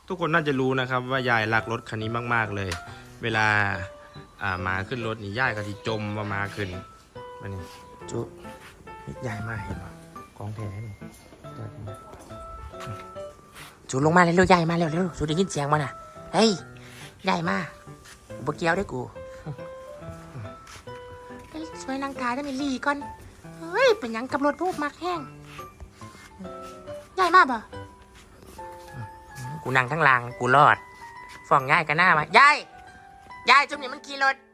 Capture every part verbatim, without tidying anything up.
ทุกคนน่าจะรู้นะครับว่ายายรักรถคันนี้มากๆเลย เวลาอ่ามาขึ้นรถนี่ยายก็จะจมมามาขึ้นมานี่จุยายมาเห็นป่ะของแท้นี่จูลงมาเร็วๆยายมาเร็วๆจูได้ยินเสียงมันอ่ะเฮ้ยยายมาบ่เกี่ยวได้กูเฮ้ยช่วยนางกายได้ไหมลีก่อนเฮ้ยเป็นยังกับรถพวกมักแห้งยายมาบ่กูนั่งทั้งลางกูรอดฟ้องยายกันหน้ามายายยายจุ่มนี่มันขี่รถ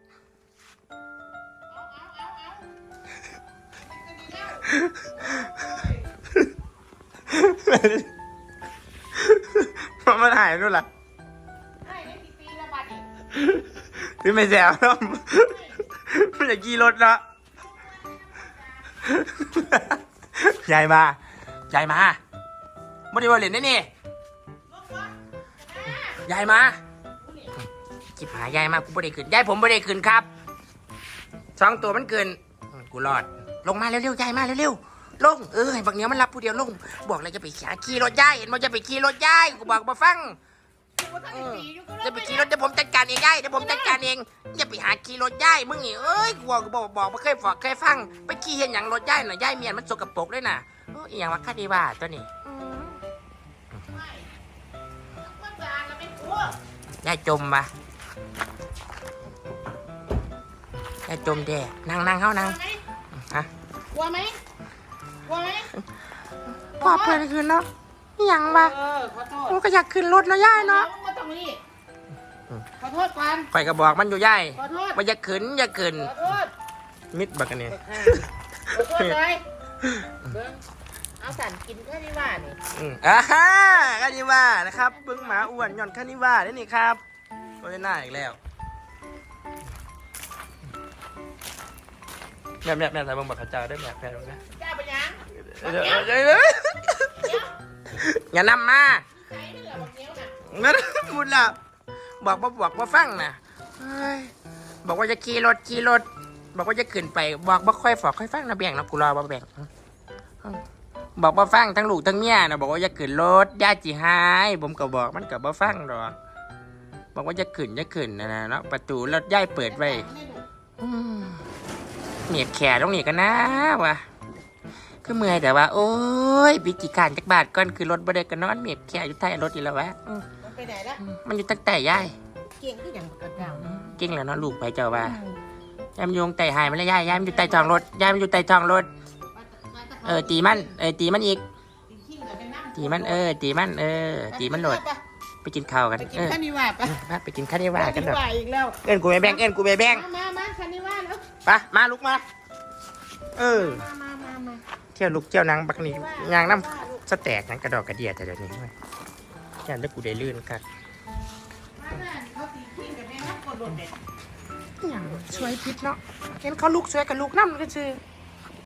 มันมาถ่ายด้วยล่ะคือไม่แซวเนาะมันจะขี่รถเนาะยายมายายมาไม่ได้ว่าเล่นได้นี่ยายมาจิบหายายมากูไม่ได้ขึ้นยายผมไม่ได้ขึ้นครับสองตัวมันเกินกูรอดลงมาเร็วๆยายมาเร็วๆลงเออให้บักเนี้ยมันรับผู้เดียวลงบอกเลยจะไปขี่รถยายเห็นมันจะไปขี่รถยายกูบอกมาฟังจะไปขี่รถเดี๋ยวผมจัดการเองยายเดี๋ยวผมจัดการเองอย่าไปหาขี่รถยายมึงนี่เอ้ยกูบอกกูบอกบอกไม่เคยฝากเคยฟังไปขี่เห็นอย่างรถยายน่ะยายเมียนมันสกปรกเลยน่ะโอ้ยอย่างว่าคดีว่าตัวนี้ยายจมปะยายจมแด่นั่งนั่งเข้านั่งฮะกลัวไหมกลัวไหมปอบเพื่อนคืนเนาะยังปะเออขอโทษมันก็อยากขึ้นรถเนาะยายเนาะไม่ต้องรีบขอโทษก่อนข่อยก็บอกมันอยู่ยายขอโทษมันจะขึ้นจะขึ้นขอโทษมิดบักกันเนี่ยขอโทษเลยเอาสันกินแค่นี้ว่านี่อ่าฮะคานิว่านะครับเบิ้งหมาอ้วนย่อนคานิว่าได้นี่ครับก็ได้หน้าอีกแล้วแม่แม่แม่ใส่เบิ้งบักขจาได้แม่แม่ดูนะเจ้าเป็นยังอย่านำมาใช้เรือบอกเนี้ยน่ะงั้นมุดละบอกมาบอกมาฟังนะบอกว่าจะขี่รถขี่รถบอกว่าจะขึ้นไปบอกบ่ค่อยฝอกค่อยฟังนะแบ่งนะกูรอบ่แบ่งบอกบ่ฟังทั้งลูกทั้งเมียนะบอกว่าจะขึ้นรถญาติหายผมก็บอกมันก็บ่ฟังดอกบอกว่าจะขึ้นจะขึ้นนะนะเนาะประตูรถย่ายเปิดไว้เหนียดแขนตรงนี้กันนะวะคือเมื่อยแต่ว่าโอ้ยปิจิการจักบาทก่อนคือรถบ่ได้กันนอนเหนียดแขนอยู่ใต้รถอีกแล้ววะมันไปไหนละมันอยู่ตั้งแต่ย่ายเก่งที่อย่างกระเจ้าเก่งแล้วเนาะลูกไปเจ้าว่ายายมันโยงไต่หายมันแล้วยายยายมันอยู่ใต้ท้องรถยายมันอยู่ใต้ท้องรถเออตีมันเออตีมันอีกตีมันเออตีมันเออตีมันโหลดไปกินข้าวกันไปกินข้าวนิวาปะไปกินข้าวนิวากันเถอะอีกแล้วเอ็นกูไปแบ่งเอ็นกูไปแบ่งมามาข้าวนิวาแล้วไปมาลุกมาเออมามามาเที่ยวลุกเที่ยวนางบักนี่ยางน้ำสแต็กนั่งกระดอกกระเดียแต่เดี๋ยวนี้ยันแล้วกูได้ลื่นกันอย่างช่วยพิษเนาะเห็นเขาลุกช่วยกับลูกน้ำก็คือ